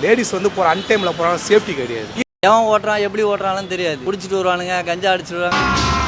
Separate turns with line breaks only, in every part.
Ladies வந்து போகிற அன்டைமில் போகிறாங்க, சேஃப்டி கிடையாது.
எவன் ஓட்டுறான் எப்படி ஓட்டுறான்னு தெரியாது. குடிச்சிட்டு வருவானுங்க, கஞ்சா அடிச்சிடுவாங்க.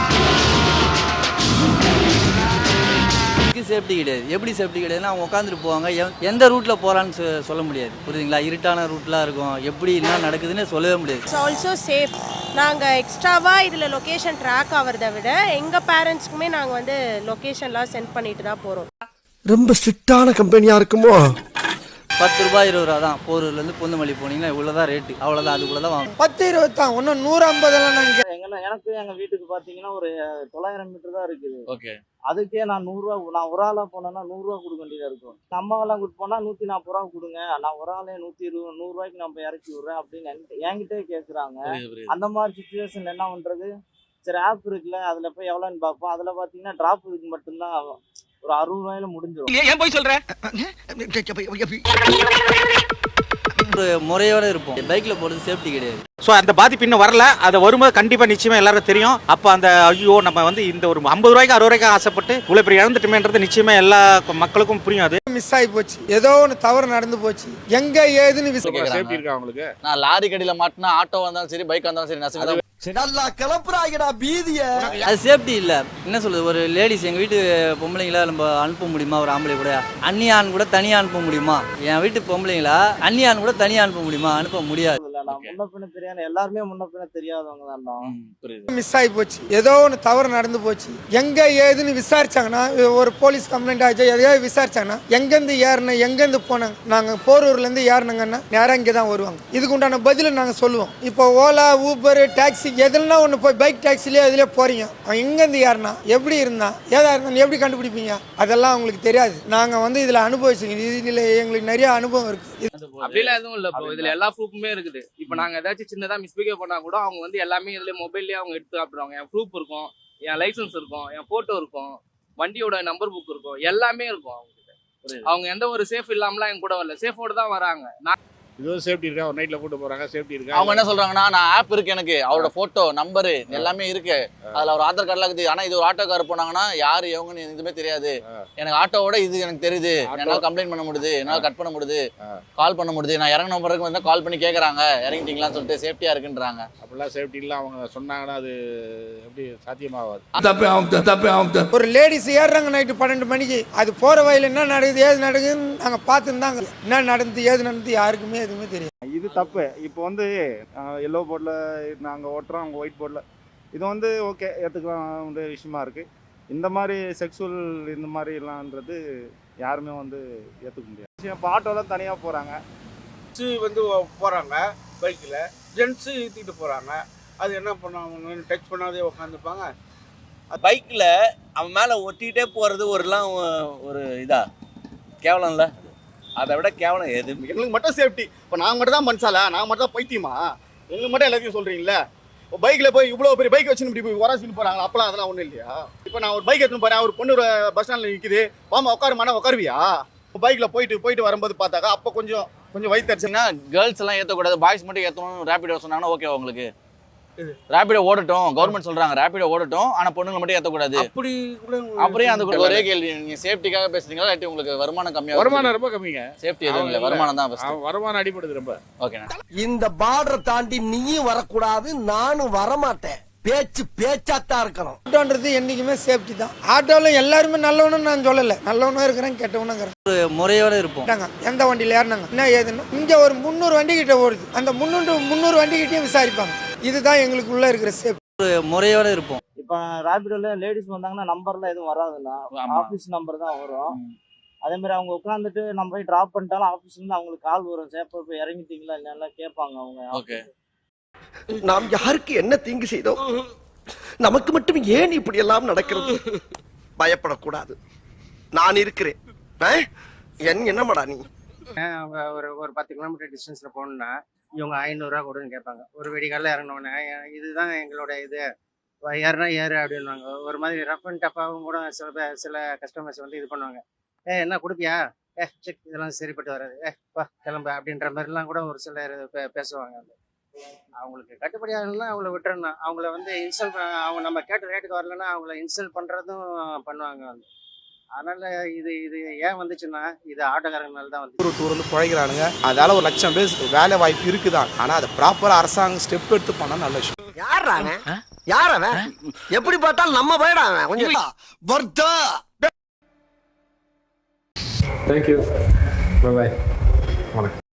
சேஃப்டி கிடையாது. எப்படி சேஃப்டி கிடையாதுன்னா அவங்க உட்காந்துட்டு போவாங்க. எந்த ரூட்டில் போகிறான்னு சொல்ல முடியாது. புரியுதுங்களா? இருட்டான ரூட்லாம் இருக்கும். எப்படி என்ன நடக்குதுன்னு சொல்லவே முடியாது.
It's also safe. நாங்கள் எக்ஸ்ட்ராவாக இதில் லொக்கேஷன் ட்ராக் ஆகிறத விட எங்கள் பேரண்ட்ஸ்க்குமே நாங்கள் வந்து லொக்கேஷன்லாம் சென்ட் பண்ணிட்டு தான் போகிறோம்.
ரொம்ப ஸ்ட்ரிக்டான கம்பெனியாக இருக்குமோ?
10 ரூபாய் 20 ரூபா தான். போரூர்லேருந்து பொந்துமல்லி போனீங்கன்னா இவ்வளோதான் ரேட்டு. அவ்வளோதான். அதுக்குள்ளே தான் வாங்க.
10 20 தான். ஒன்றும் 150
எனக்கு எங்கள் வீட்டுக்கு பார்த்தீங்கன்னா ஒரு 900 மீட்டர் தான் இருக்குது.
ஓகே.
அதுக்கே நான் 100 ரூபா, நான் ஒரு ஆளாக போனேன்னா 100 ரூபா கொடுக்க வேண்டியதாக இருக்கும். அம்மாவெல்லாம் கூட்டு போனால் 140 ரூபா கொடுங்க, நான் ஒரு ஆளே 120 100 ரூபாய்க்கு நம்ம இறக்கி விட்றேன் அப்படின்னு என்கிட்டே கேட்குறாங்க. அந்த மாதிரி சுச்சுவேஷன் என்ன பண்ணுறது? சரி, ஆப் இருக்குல்ல, அதில் போய் எவ்வளோன்னு பார்ப்போம். அதில் பார்த்தீங்கன்னா ட்ராப் இதுக்கு மட்டும்தான் ஒரு 60 ரூபாயில முடிஞ்சிடும்.
ஏன் போய் சொல்ற?
ஒரு முறையோட இருப்போம். பைக்கில் போகிறது சேஃப்டி கிடையாது.
ஸோ அந்த பாதிப்பு இன்னும் வரல. அதை வரும்போது கண்டிப்பாக நிச்சயமாக எல்லாரும் தெரியும். அப்போ அந்த ஐயோ நம்ம வந்து இந்த ஒரு 50 ரூபாய்க்கு 60 ரூபாய்க்கு ஆசைப்பட்டு இவ்வளோ பெரிய இழந்துட்டுமேன்றது நிச்சயமாக எல்லா மக்களுக்கும் புரியும். அது
மிஸ் ஆகி போச்சு, ஏதோ ஒன்று தவறு நடந்து போச்சு, எங்க ஏதுன்னு
சேஃப்டி இருக்கா அவங்களுக்கு?
நான் லாரி கடியில் மாட்டினா ஆட்டோ வந்தாலும் சரி, பைக் வந்தாலும் சரி, நசுங்க.
கிளப்புறாங்கடா பீதிய.
அது சேஃப்டி இல்லை. என்ன சொல்றது? ஒரு லேடிஸ் எங்கள் வீட்டு பொம்பளைங்களா நம்ம அனுப்ப முடியுமா? ஒரு ஆம்பளை கூட அன்னியான் கூட தனியாக அனுப்ப முடியுமா? என் வீட்டு பொம்பளைங்களா அன்னியான் கூட தனியாக அனுப்ப முடியுமா? அனுப்ப முடியாது.
நான் முன்ன பின்ன தெரியாது, எல்லாருமே முன்ன பின்ன தெரியாதவங்க தான்.
மிஸ் ஆகி போச்சு, ஏதோ ஒன்று தவறு நடந்து போச்சு, எங்க ஏதுன்னு விசாரிச்சாங்கன்னா, ஒரு போலீஸ் கம்ப்ளைண்ட் ஆச்சு, எதையாவது விசாரிச்சாங்கன்னா எங்கேருந்து ஏறினேன் எங்கேருந்து போனாங்க, நாங்கள் போரூர்லேருந்து ஏறினங்கன்னா நேராக இங்கே தான் வருவாங்க. இதுக்கு உண்டான பதிலை நாங்கள் சொல்லுவோம். இப்போ ஓலா, ஊபர், டாக்ஸி எதுனா ஒன்று போய் பைக் டாக்ஸிலே அதிலே போறீங்க, அவன் எங்கேருந்து ஏறினா, எப்படி இருந்தான், ஏதா இருந்தாலும் எப்படி கண்டுபிடிப்பீங்க? அதெல்லாம் அவங்களுக்கு தெரியாது. நாங்கள் வந்து இதில் அனுபவிச்சுங்க. இதில் எங்களுக்கு நிறைய அனுபவம் இருக்கு.
அப்படிலாம் எதுவும் இல்லை ப்ரோ. இதுல எல்லா ப்ரூஃபுமே இருக்குது. இப்போ நாங்கள் ஏதாச்சும் சின்னதாக மிஸ்பிஹேவ் பண்ணால் கூட அவங்க வந்து எல்லாமே இதில் மொபைல்லேயே அவங்க எடுத்து காப்பிடுவாங்க. என் ப்ரூஃப் இருக்கும், என் லைசன்ஸ் இருக்கும், என் ஃபோட்டோ இருக்கும், வண்டியோட நம்பர் புக் இருக்கும், எல்லாமே இருக்கும் அவங்ககிட்ட. அவங்க எந்த ஒரு சேஃப் இல்லாமலாம் எங்க கூட வரல, சேஃபோட தான் வராங்க.
இதுவும் சேஃப்டி இருக்கா? ஒரு நைட்ல கூட்டு போறாங்க, சேஃப்டி இருக்கா?
அவங்க என்ன சொல்றாங்கன்னா, நான் ஆப் இருக்கு, எனக்கு அவரோட போட்டோ நம்பரு எல்லாமே இருக்கு, அதுல ஒரு ஆதார் கார்டுலாம் இருக்குது. ஆனா இது ஒரு ஆட்டோ கார் போனாங்கன்னா யாரு எவங்கன்னு எதுவுமே தெரியாது. எனக்கு ஆட்டோவோட இது எனக்கு தெரியுது, என்னால கம்ப்ளைண்ட் பண்ண முடியுது, என்னால கட் பண்ண முடியுது, கால் பண்ண முடியுது. நான் இறங்கின பிறகு வந்து கால் பண்ணி கேட்கறாங்க, இறங்கிட்டீங்களான்னு சொல்லிட்டு சேஃப்டியா இருக்குன்றாங்க.
அப்படிலாம் சேஃப்டி இல்லை அவங்க சொன்னாங்கன்னா அது எப்படி சாத்தியமாகாது.
ஒரு லேடிஸ் ஏறுறாங்க நைட்டு 12 மணிக்கு, அது போற வயல என்ன நடக்குது ஏது நடக்குதுன்னு நாங்கள் பார்த்துருந்தாங்க. என்ன நடந்து ஏது நடந்து யாருக்குமே எதுவுமே தெரியும்.
இது தப்பு. இப்போ வந்து எல்லோ போர்டில் நாங்கள் ஓட்டுறோம், அவங்க ஒயிட் போர்டில். இது வந்து ஓகே, ஏற்றுக்கலாம் விஷயமா இருக்குது. இந்த மாதிரி செக்ஸுவல் இந்த மாதிரிலான்றது யாருமே வந்து ஏற்றுக்க முடியாது. இப்போ ஆட்டோலாம் தனியாக போகிறாங்க,
வந்து போகிறாங்க பைக்கில், ஜென்ஸு ஏற்றிட்டு போகிறாங்க. அது என்ன பண்ணுவாங்க? டச் பண்ணாதே உட்காந்துப்பாங்க.
பைக்கில் அவன் மேலே ஒட்டிகிட்டே போகிறது ஒரு இதா கேவலம் இல்லை. அதை விட கேவலம் எது?
எங்களுக்கு மட்டும் சேஃப்டி. இப்போ நாங்கள் மட்டும் தான் மனுஷாலா? நாங்கள் மட்டும் தான் பைத்தியமா? எங்களுக்கு மட்டும் எல்லாத்தையும் சொல்கிறீங்களே. இப்போ பைக்கில் போய் இவ்வளோ பெரிய பைக் வச்சுன்னு இப்படி போய் உராசின்னு போகிறாங்க. அப்போலாம் அதெல்லாம் ஒன்றும் இல்லையா? இப்போ நான் ஒரு பைக் எடுத்துன்னு போகிறேன், ஒரு பொண்ணு பஸ் ஸ்டாண்டில் நிற்கிது, வாமா உட்காருமானா உட்காருவியா? இப்போ பைக்கில் போயிட்டு வரும்போது பார்த்தாக்கா அப்போ கொஞ்சம் வயிற்றுச்சுன்னா
கேர்ள்ஸ் எல்லாம் ஏற்றக்கூடாது, பாய்ஸ் மட்டும் ஏற்றணும் ரேபிடோ சொன்னாங்கன்னா ஓகே உங்களுக்கு? ரேபிடோ ஓடட்டும், கவர்மெண்ட் சொல்றாங்க ரேபிடோ ஓடட்டும், ஆனா பொண்ணுங்களை மட்டும் ஏற்றக்கூடாது.
அப்படி
அப்படியே அந்த ஒரே கேள்வி, நீங்க சேஃப்டிக்காக பேசுறீங்களா இல்லாட்டி உங்களுக்கு வருமானம் கம்மியா?
வருமானம் ரொம்ப கம்மிங்க.
சேஃப்டி எதுவும் இல்லை, வருமானம் தான் ஃபர்ஸ்ட்.
வருமானம் அடிபடுது ரொம்ப.
ஓகேண்ணா.
இந்த பார்டரை தாண்டி நீயும் வரக்கூடாது, நானும் வரமாட்டேன். பேச்சு பேச்சாத்தான் இருக்கணும்.
ஆட்டோன்றது என்னைக்குமே சேஃப்டி தான். ஆட்டோவில் எல்லாருமே நல்லவனும் நான் சொல்லலை, நல்லவனும் இருக்கிறேன், கெட்டவனும் இருக்கிறேன்.
ஒரு முறையோட இருப்போம்.
எந்த வண்டியில் ஏறினாங்க என்ன ஏதுன்னா, இங்கே ஒரு 300 வண்டி கிட்ட ஓடுது, அந்த 300 வண்டி கிட்டையும் விசாரிப்பாங்க. இதுதான் எங்களுக்குள்ள இருக்கிற சேஃப்டி.
ஒரு முறையோட இருப்போம்.
இப்போ ரேபிடோல லேடிஸ் வந்தாங்கன்னா நம்பர்லாம் எதுவும் வராதுண்ணா, ஆஃபீஸ் நம்பர் தான் வரும். அதே மாதிரி அவங்க உட்காந்துட்டு நம்ம போய் ட்ராப் பண்ணிட்டாலும் ஆஃபீஸ்லேருந்து அவங்களுக்கு கால் வரும், சேஃபாக போய் இறங்கிட்டீங்களா இல்லைன்னா கேட்பாங்க அவங்க.
ஓகே.
நாம் யாருக்கு என்ன தீங்கு செய்தோம்? நமக்கு மட்டும் ஏன் இப்படி எல்லாம் நடக்கிறது? பயப்படக்கூடாது, நான் இருக்கிறேன். என்னமாடா நீ?
ஒரு 10 கிலோமீட்டர் டிஸ்டன்ஸில் போகணுன்னா இவங்க 500 ரூபா கொடுன்னு கேட்பாங்க. ஒரு வெடிகாலில் இறங்கினோடனே இதுதான் எங்களோட இது, ஏறுனா ஏறு அப்படின்வாங்க. ஒரு மாதிரி ரஃப் அண்ட் டஃப்பாகவும் கூட சில கஸ்டமர்ஸ் வந்து இது பண்ணுவாங்க. என்ன கொடுப்பியா? செக் இதெல்லாம் சரிப்பட்டு வராது, வா கிளம்ப அப்படின்ற மாதிரிலாம் கூட ஒரு சிலர் பேசுவாங்க. அவங்களுக்கு கட்டுப்படி ஆகணும்னா அவங்கள விட்டுறணும். அவங்கள வந்து இன்ஸ்டால் அவங்க நம்ம கேட்ட ரேட்டுக்கு வரலன்னா அவங்கள இன்ஸ்டால் பண்ணுறதும் பண்ணுவாங்க. அதனால இது இது ஏன் வந்துச்சுன்னா இது ஆட்டோக்காரங்கனால தான் வந்து.
ஒரு டூர் வந்து குழைக்கிறானுங்க, அதால 1 லட்சம் பேர் வேலை வாய்ப்பு இருக்குதான். ஆனா அதை ப்ராப்பரா அரசாங்கம் ஸ்டெப் எடுத்து பண்ணா நல்ல விஷயம்.
யார் அவன்? யார் அவன்? எப்படி பார்த்தாலும் நம்ம போயிடா அவன் கொஞ்சம் வர்த்தா.
தேங்க்யூ, பை பாய், வணக்கம்.